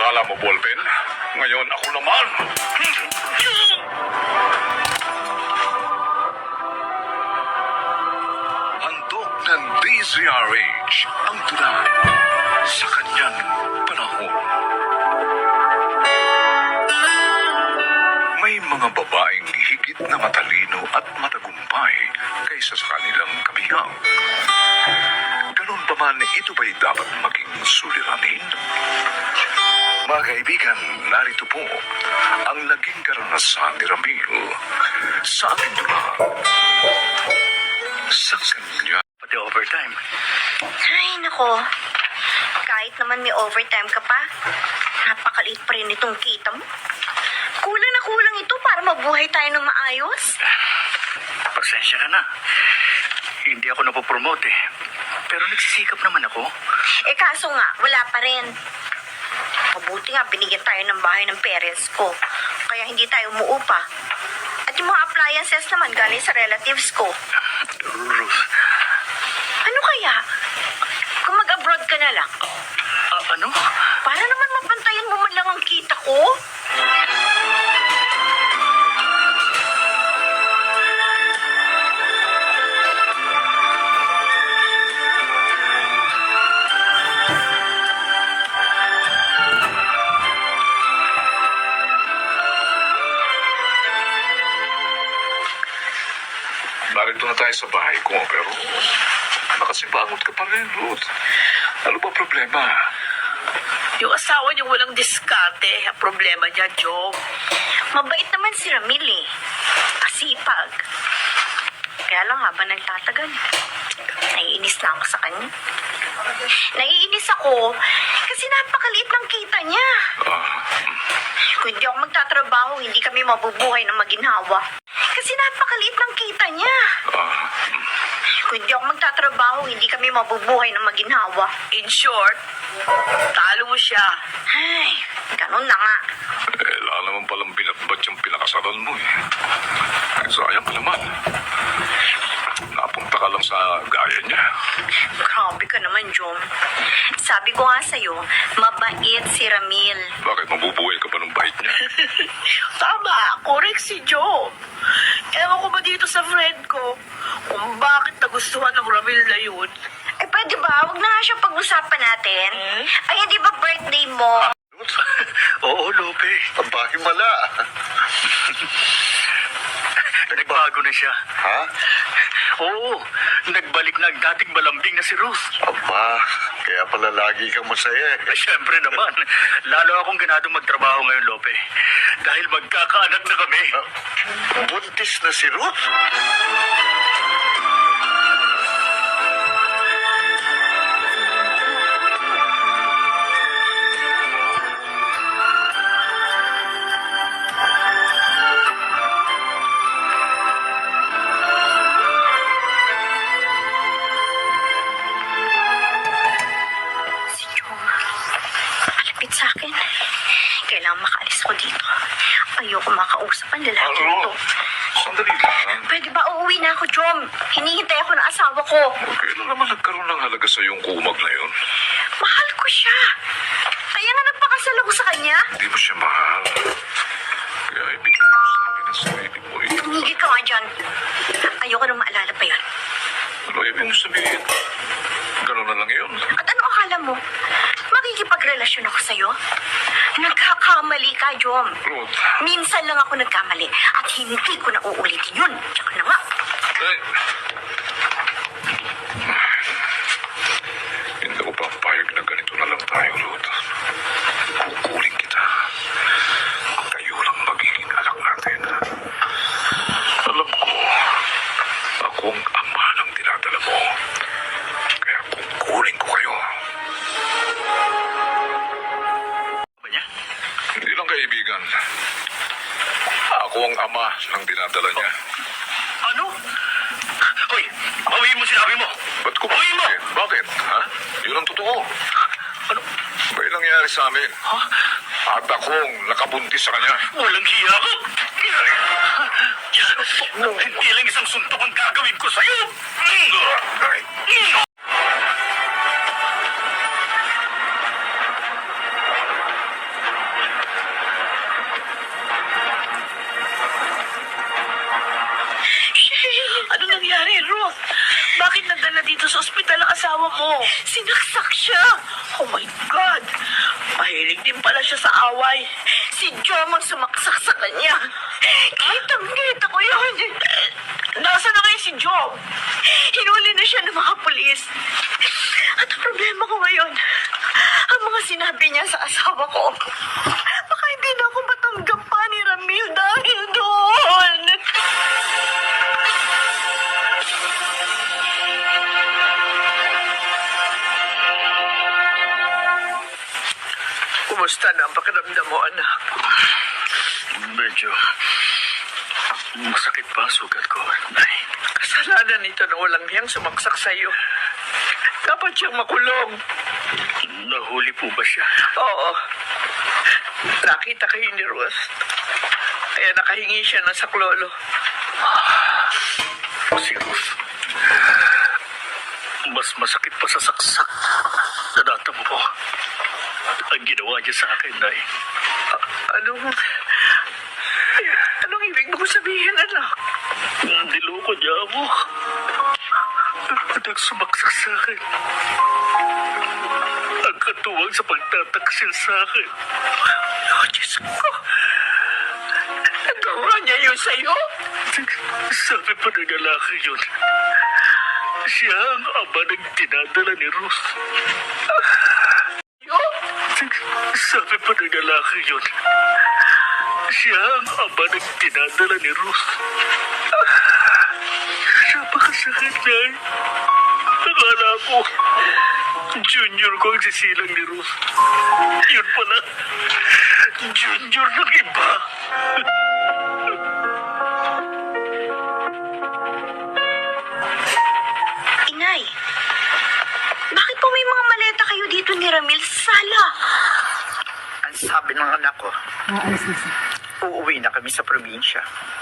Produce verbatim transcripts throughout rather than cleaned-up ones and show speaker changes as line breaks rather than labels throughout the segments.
akala mo, ballpen? Ngayon ako naman. Handog ng D Z R H ang tula sa kanyang panahon. May mga babaeng higit na matalino at matagumpay kaysa sa kanilang kabihang. Ganun pa man, ito ba'y dapat maging suliranin? Mga kaibigan, narito po ang naging karanasan ni Ramil sa ating tula sa kanya.
Pati overtime.
Ay, nako. Kahit naman may overtime ka pa, napakaliit pa rin itong kita mo. Kulang na kulang ito para mabuhay tayo ng maayos.
Pasensya ka na. Hindi ako napopromote eh. Pero nagsisikap naman ako.
Eh kaso nga, wala pa rin. Mabuti nga, binigyan tayo ng bahay ng parents ko. Kaya hindi tayo umuupa. At yung mga appliances naman galing sa relatives ko.
Ruth.
Ano kaya? Kung mag-abroad ka na lang.
Ah, ano?
Para naman mapantayan mo man lang ang kita ko.
Narito na tayo sa bahay ko, pero nakasibangot ka pa rin, Ruth. Ano ba problema?
Yung asawa niyo walang diskarte. Ang problema niya, Joe.
Mabait naman si Ramil eh. Masipag. Kaya lang habang nagtatagal, naiinis na ako sa kanya. Naiinis ako kasi napakaliit ng kita niya.
Ah,
Kung hindi ako magtatrabaho, hindi kami mabubuhay ng maginhawa. Kasi napakaliit ng kita niya.
ah,
Kung hindi ako magtatrabaho, hindi kami mabubuhay ng maginhawa.
In short, talo mo siya.
Ay, ganun na nga.
eh, wala naman palang binatbat yung pinakasalan mo eh. Eh, sayang ka naman. Napunta ka lang sa gaya niya.
Grabe ka naman, Jom. Sabi ko nga sa'yo, mabait si Ramil.
Bakit mabubuhay ka ba ng bait niya?
Tama, correct si Joe. Ewan ko ba dito sa friend ko kung bakit nagustuhan ng Ramil na yun.
Eh, pwede ba? Huwag na nga siya pag-usapan natin.
Hmm?
Ay, di ba birthday mo?
Oo, Lope.
Ang bahimala.
Nagbago na siya.
Ha?
Oo, nagbalik na ang dating malambing na si Ruth.
Aba, kaya pala lagi kang masaya eh.
Eh, syempre naman. Lalo akong ganadong magtrabaho ngayon, Lope. Dahil magkakaanak na kami.
Buntis na si Ruth?
Si Jom. Malapit sa akin. Kailangan makaalis ko dito. Ayoko makausap ang lalaki
Ano?
nito.
Sandali lang.
Pwede ba uuwi na ako, Jom? Hinihintay ako ng asawa ko.
Kailan naman nagkaroon ng halaga sa yung kumag na yun?
Mahal ko siya. Kaya nga nagpakasal ako sa kanya.
Hindi mo siya mahal. Kaya ibig ko sabi ng sarili mo eh.
Tumigil ka nga dyan. Ayoko nang maalala pa yun.
Ano ibig mo sabihin? Ganun na lang yun.
At ano akala mo? Makikipagrelasyon ako sa'yo? Nagkakamali ka, Jom.
Ruth,
Minsan lang ako nagkamali at hindi ko na uulitin yun. Tsaka na nga.
eh. Hindi ko papayag na ganito na lang tayo, Ruth. Kukuling kita. Kayo lang magiging anak natin. Alam ko, akong ama ng dinadala mo. Kaya kukuling ko kayo.
Ba niya?
Hindi lang kaibigan. Ako ang ama ng dinadala niya.
Ano? Hoy, bawiin mo sinabi mo.
Ba't ko
Bawiin mo!
bakit? Bakit? Ha? Yun ang totoo.
Ano?
May nangyari sa amin.
Ha?
At akong nakabuntis sa kanya.
Walang hiya ka? Hindi lang isang suntok ang gagawin ko sa'yo.
asawa mo?
Sinaksak siya.
Oh my God! Mahilig din pala siya sa away.
Si Jom ang sumaksak sa kanya. Kitang-kita ko yun.
Nasaan na kayo si Joe?
Hinuli na siya ng mga pulis. At ang problema ko ngayon, ang mga sinabi niya sa asawa ko, baka hindi na ako matanggap pa ni Ramil dahil doon.
Kumusta na ang pakiramdam mo, anak?
Medyo masakit pa ang sugat ko, Nay.
Kasalanan nito na walang hiyang sumaksak sa'yo. Dapat siyang makulong.
Nahuli po ba siya?
Oo. Nakita kayo ni Ruth. Kaya nakahingi siya ng saklolo.
Si Ruth. Mas masakit pa sa saksak na natamo ko. Ang ginawa niya sa akin, Nay.
Anong... Anong ibig mo sabihin, anak?
Niloko niya ako. At ang sumaksak sa akin. Ang katuwang sa pagtataksil sa akin.
Oh, Diyos ko. Nagawa niya yun sa'yo?
Sabi pa ng lalaki yun. Siya ang ama ng dinadala ni Ruth.
Yun?
Sabi pa ng lalaki yun. Siya ang ama ng dinadala ni Ruth. Napakasakit, Nay. Akala ko, junior ko ang sisilang ni Ruth. Yun pala, junior ng iba.
Inay, bakit po may mga maleta kayo dito ni Ramil sa sala?
Ang sabi ng anak ko, uuwi na kami sa probinsya.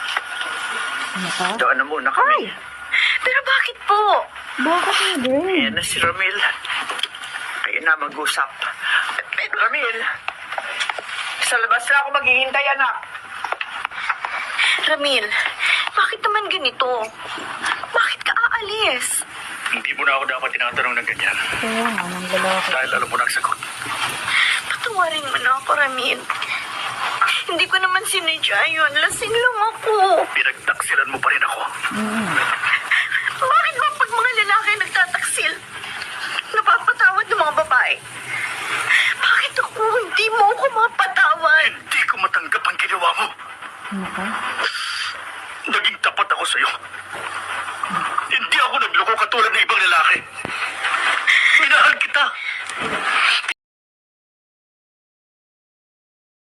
Doon na muna kami.
Pero bakit po?
Bakit hindi?
Ayan na si Ramil. Kayo na mag-usap. Ramil, sa labas na ako maghihintay, anak.
Ramil, bakit naman ganito? Bakit ka aalis?
Hindi mo na ako dapat tinatanong ng ganyan.
Oo nga, ng lalaki.
Dahil alam mo na ang sagot.
Patawarin mo na ako, Ramil. Hindi ko naman sinadya yun. Lasing lang ako.
Pinagtaksilan mo pa rin ako.
Bakit ba pag mga lalaki nagtataksil, napapatawad ng mga babae? Bakit ako hindi mo ako mapatawad?
Hindi ko matanggap ang ginawa mo.
Nako.